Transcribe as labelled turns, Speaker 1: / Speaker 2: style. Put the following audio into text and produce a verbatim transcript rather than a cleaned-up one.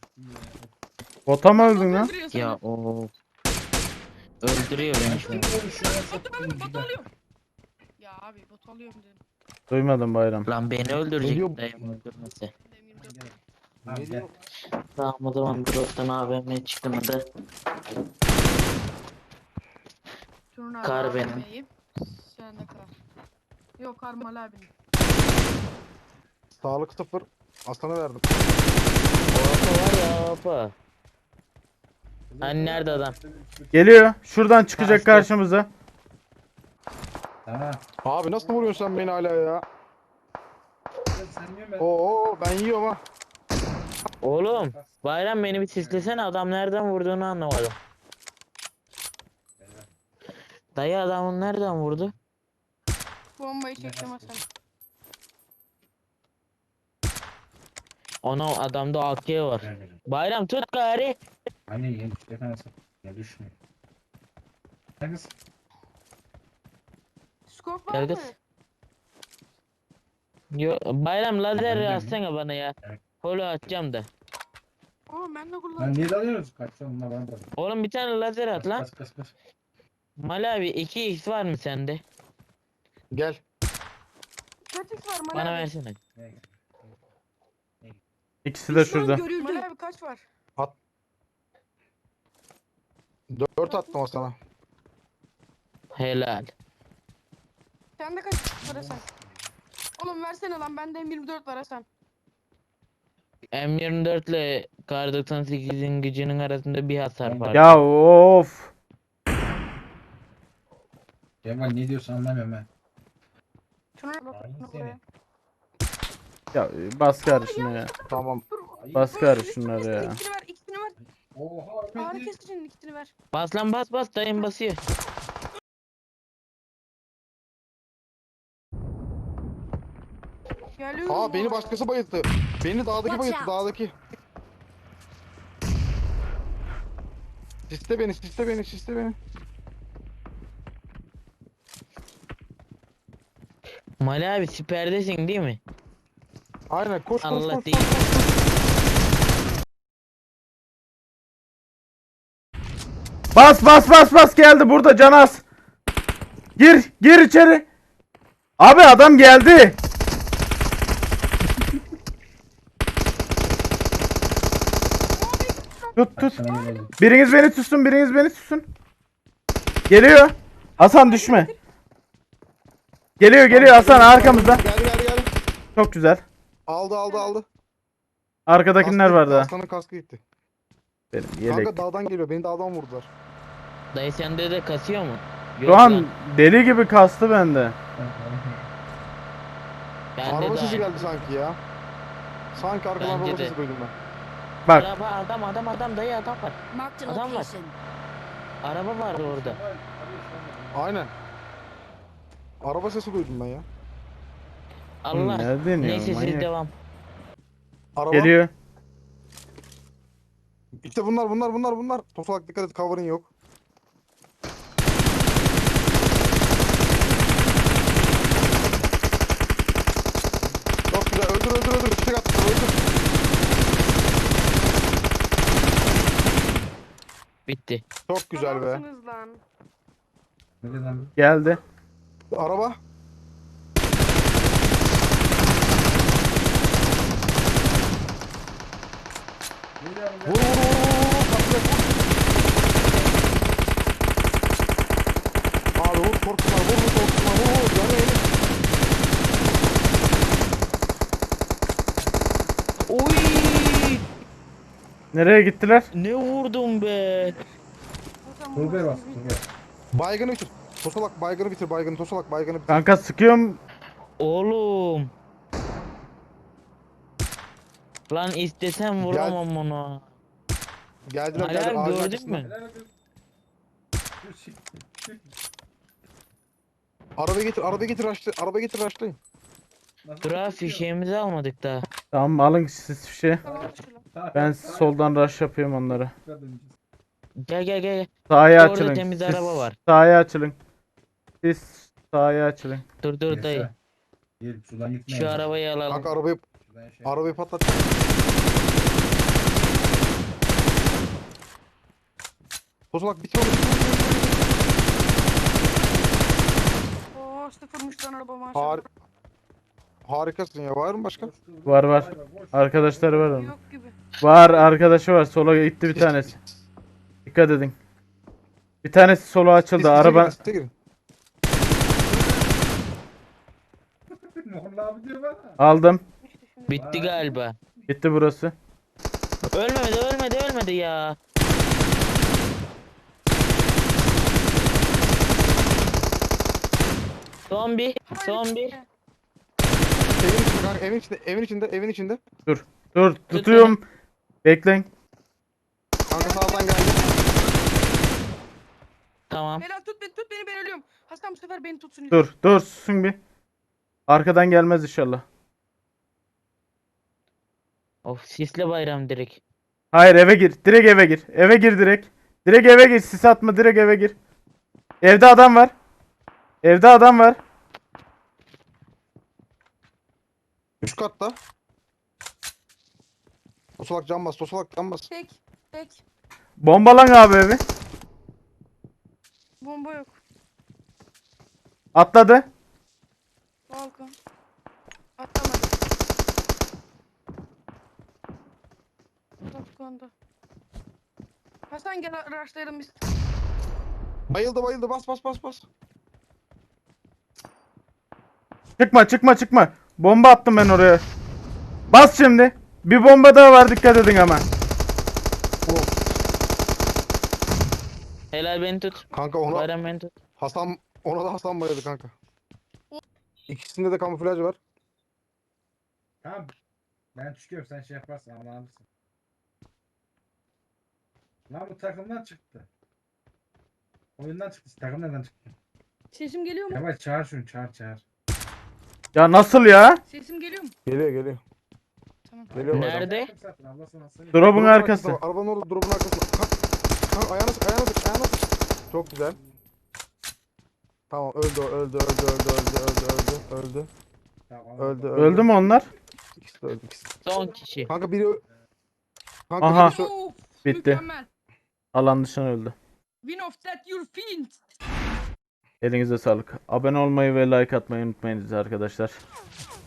Speaker 1: Bota mı öldün lan?
Speaker 2: Ya o öldürüyor beni şu an.
Speaker 3: Bot alıyorum. Ya abi bot alıyorum dedim.
Speaker 1: Duymadım Bayram.
Speaker 2: Lan beni
Speaker 4: Geliyor.
Speaker 2: öldürecek dayım öldürmese.
Speaker 3: Demir dört.
Speaker 4: Ne diyor?
Speaker 2: Tamam o zaman drop'tan A V M çıkmadı.
Speaker 3: Turun abi
Speaker 2: Kar
Speaker 3: A V
Speaker 2: benim.
Speaker 3: M'yi. Sen de kar. Yok kar Mal abinin.
Speaker 4: Sağlık sıfır. Aslan'a verdim.
Speaker 2: Opa var ya opa. Hani nerede adam?
Speaker 1: Geliyor. Şuradan çıkacak
Speaker 2: Kaçtı.
Speaker 1: karşımıza.
Speaker 5: Tamam.
Speaker 4: Abi nasıl vuruyorsun sen beni hala ya?
Speaker 5: Sen yiyorsun ben.
Speaker 4: Oo ben yiyorum ha.
Speaker 2: Oğlum Bayram beni bir sislesene, adam nereden vurduğunu anlamadım. Dayı adamın nereden vurdu?
Speaker 3: Bombayı çektim Hasan.
Speaker 2: Ona adamda A K var. Bayram tut gari.
Speaker 5: Anne yeni işte nasıl? Ya düşmüyor. Hangisi?
Speaker 3: Skop var
Speaker 2: Gel
Speaker 3: mı?
Speaker 2: kız. Yo, Bayram lazer
Speaker 5: Ben de mi?
Speaker 2: atsana bana ya.
Speaker 5: Evet.
Speaker 2: Holo atacağım da.
Speaker 3: Oo ben de
Speaker 5: Lan
Speaker 3: kullanıyorum.
Speaker 5: niye dalıyoruz? Kaçta onunla bana da.
Speaker 2: Oğlum bir tane lazer at lan.
Speaker 5: Kaç kaç kaç.
Speaker 2: Mal abi iki x var mı sende?
Speaker 4: Gel.
Speaker 3: Kaç X var Mal
Speaker 2: Bana
Speaker 3: abi?
Speaker 2: versene.
Speaker 5: Ne?
Speaker 1: İkisi de şurada.
Speaker 3: Mal abi kaç var?
Speaker 4: Dört attım o sana.
Speaker 2: Helal.
Speaker 3: Sende kaç X var Hasan? Oğlum versene lan bende M yirmi dört var Hasan.
Speaker 2: M yirmi dört ile Kar doksan sekizin gücünün arasında bir hasar var.
Speaker 1: Ya of.
Speaker 5: Kemal ne diyorsun anlamıyorum ben.
Speaker 3: Şuna
Speaker 5: Aynı
Speaker 3: bak
Speaker 5: seni.
Speaker 3: buraya.
Speaker 1: Ya bas gari şunu ya.
Speaker 4: Tamam.
Speaker 1: Bas gari şunları ya.
Speaker 3: İkisini ver, ikisini ver.
Speaker 5: Oha.
Speaker 3: Ağrı
Speaker 5: öpeydi.
Speaker 3: kesicinin ikisini ver.
Speaker 2: Bas lan bas bas, dayım basıyor.
Speaker 3: Geliyorum.
Speaker 4: Aa beni
Speaker 3: baba.
Speaker 4: başkası bayılttı. Beni dağdaki
Speaker 6: Watch
Speaker 4: bayılttı
Speaker 6: out.
Speaker 4: dağdaki. Siste beni siste beni siste beni.
Speaker 2: Mal abi siperdesin değil mi?
Speaker 4: Aynen koş koş
Speaker 2: Allah
Speaker 4: koş.
Speaker 2: değil.
Speaker 4: koş.
Speaker 1: Bas bas bas bas geldi burada Canaz. Gir gir içeri. Abi adam geldi. Tut tut.
Speaker 5: Sana öyle oldu.
Speaker 1: Biriniz beni tutsun, biriniz beni tutsun. Geliyor. Hasan düşme. Geliyor geliyor Hasan arkamızda.
Speaker 4: Geldi geldi geldi.
Speaker 1: Çok güzel.
Speaker 4: Aldı aldı aldı.
Speaker 1: Arkadakiler
Speaker 4: Kaskı
Speaker 1: var
Speaker 4: gitti,
Speaker 1: daha.
Speaker 4: Aslanın kaskı gitti.
Speaker 1: Benim yelek.
Speaker 4: Kanka dağdan geliyor. Beni dağdan vurdular.
Speaker 2: Dayı sende de kasıyor mu? Yok
Speaker 1: Şu an
Speaker 2: lan,
Speaker 1: deli gibi kastı bende.
Speaker 2: bende
Speaker 4: Araba
Speaker 2: de
Speaker 4: sesi
Speaker 2: aynı.
Speaker 4: geldi sanki ya. Sanki arkadan
Speaker 2: Bence
Speaker 4: araba
Speaker 2: de.
Speaker 4: sesi duydum ben.
Speaker 1: Bak
Speaker 2: Araba adam adam adam dayı adam var.
Speaker 6: Marked a
Speaker 2: Adam var.
Speaker 6: location.
Speaker 2: Araba vardı orada.
Speaker 4: Aynen. Araba sesi duydum ben ya.
Speaker 2: Allah.
Speaker 1: ne deniyor,
Speaker 2: Neyse siz
Speaker 1: manyak.
Speaker 2: devam.
Speaker 4: Araba.
Speaker 1: Geliyor.
Speaker 4: İşte bunlar bunlar bunlar bunlar. Tosalak dikkat et, cover'ın yok. Çok güzel, öldür öldür öldür. Çiçek attı, öldür.
Speaker 2: Bitti.
Speaker 4: Çok güzel be.
Speaker 3: Adamsınız lan.
Speaker 5: Ne dedi lan?
Speaker 1: Geldi.
Speaker 4: Araba. Vur vur vur vur vur. Patlayacak, vur. Abi vur korkma vur vur korkma vur vur. Yanıyor yanıyor.
Speaker 2: Oy!
Speaker 1: Nereye gittiler?
Speaker 2: Ne vurdum be?
Speaker 3: Hasan
Speaker 5: Turgay
Speaker 3: bu
Speaker 5: bas.
Speaker 3: nasıl bir-
Speaker 5: Turgay.
Speaker 4: Baygını bitir. Tosalak baygını bitir baygını. Tosalak baygını bitir.
Speaker 1: Kanka sıkıyorum.
Speaker 2: Oğlum. Lan istesem vuramam onu.
Speaker 4: Geldiler
Speaker 2: Ali
Speaker 4: geldiler.
Speaker 2: abi
Speaker 4: Ağacın
Speaker 2: gördün
Speaker 4: arkasında.
Speaker 2: mü?
Speaker 5: Helal olsun. Dur, çık, çık.
Speaker 4: Arabayı getir arabayı getir açtı. Arabayı getir açtı.
Speaker 5: Nasıl
Speaker 2: Dur abi
Speaker 5: çıkıyor?
Speaker 2: fişeğimizi almadık daha.
Speaker 1: Tamam alın siz bir şey.
Speaker 3: Tamam şu lan.
Speaker 5: Sağ-
Speaker 1: Ben
Speaker 5: sağ-
Speaker 1: soldan rush yapıyorum onları.
Speaker 5: sağ döneceğiz.
Speaker 2: Gel gel gel.
Speaker 1: Sağa
Speaker 2: Orada
Speaker 1: açılın.
Speaker 2: temiz
Speaker 1: Siz
Speaker 2: araba var.
Speaker 1: Sağa açılın. Siz sağa açılın.
Speaker 2: Dur dur dayı.
Speaker 5: Yaşa. Gel şuradan gitmeyin.
Speaker 2: Şu arabayı alalım.
Speaker 4: Kanka arabayı
Speaker 5: Şuradan yaşa.
Speaker 4: arabayı patlat. Tosolak bitir onu.
Speaker 3: Oo sıfırmış lan araba maşallah.
Speaker 4: Har Harikasın ya. Var mı başka?
Speaker 1: Var var. Arkadaşları var onun.
Speaker 3: Yok gibi.
Speaker 1: Var arkadaşı var. Sola gitti bir tanesi. Dikkat edin. Bir tanesi sola açıldı. Araba
Speaker 4: Site girin.
Speaker 5: Molla abi diyor bana.
Speaker 1: aldım.
Speaker 2: Bitti galiba.
Speaker 1: Gitti burası.
Speaker 2: Ölmedi ölmedi ölmedi ya. Son bir. Son bir.
Speaker 4: Evin içinde kanka. Evin içinde. Evin içinde. Evin içinde.
Speaker 1: Dur. Dur. Tutuyorum. Bekleyin.
Speaker 4: Kanka sağdan geldi.
Speaker 2: Tamam.
Speaker 3: Helal tut beni tut beni ben ölüyorum. Hasan bu sefer beni tutsun.
Speaker 1: Dur. Dur. Susun bir. Arkadan gelmez inşallah.
Speaker 2: Of sisli bayram direkt.
Speaker 1: Hayır eve gir. Direkt eve gir. Eve gir direkt. Direkt eve gir. Sis atma. Direkt eve gir. Evde adam var. Evde adam var.
Speaker 4: Üst katta. Tosolak cam bas. Tosolak cam bas.
Speaker 3: Tek. Tek.
Speaker 1: Bombalan abi evi.
Speaker 3: Bomba yok.
Speaker 1: Atladı.
Speaker 3: Balkon. Atlamadı. Balkonda. Hasan gel araçlayalım biz.
Speaker 4: Bayıldı bayıldı. Bas bas bas bas.
Speaker 1: Çıkma çıkma çıkma. Bomba attım ben oraya. Bas şimdi. Bir bomba daha var dikkat edin ama.
Speaker 4: Oh.
Speaker 2: Helal beni tut.
Speaker 4: Kanka ona
Speaker 2: Bayram beni tut.
Speaker 4: Hasan ona da Hasan bayıldı kanka. İkisinde de kamuflaj var.
Speaker 5: Tamam. Ben çıkıyorum sen şey yaparsın anlarsın. Lan bu takımdan çıktı. Oyundan çıktı. Takım nereden çıktı?
Speaker 3: Sesim geliyor mu?
Speaker 5: Kemal çağır şunu çağır çağır.
Speaker 1: Ya nasıl ya?
Speaker 3: Sesim geliyor mu?
Speaker 4: Geliyor geliyor.
Speaker 3: Tamam.
Speaker 4: Geliyor bayram.
Speaker 2: Nerede?
Speaker 5: Zaten ablasına söyle.
Speaker 1: Drop'un
Speaker 4: Drop'un
Speaker 1: arkası.
Speaker 4: var. Arabanın orada drop'un arkası. Kalk. Kalk ayağına sık ayağına sık ayağına sık. Çok güzel. Tamam öldü o, öldü öldü öldü öldü öldü öldü öldü.
Speaker 5: Tamam,
Speaker 4: Öldü öldü.
Speaker 1: Öldü mü onlar?
Speaker 4: İkisi de öldü ikisi.
Speaker 2: Son kişi.
Speaker 4: Kanka biri ö- Kanka
Speaker 1: Aha.
Speaker 4: birisi ö-
Speaker 3: Of,
Speaker 1: Bitti.
Speaker 3: Mükemmel.
Speaker 1: Alan dışına öldü.
Speaker 3: Win of that your fiend.
Speaker 1: Elinize sağlık. Abone olmayı ve like atmayı unutmayınız arkadaşlar.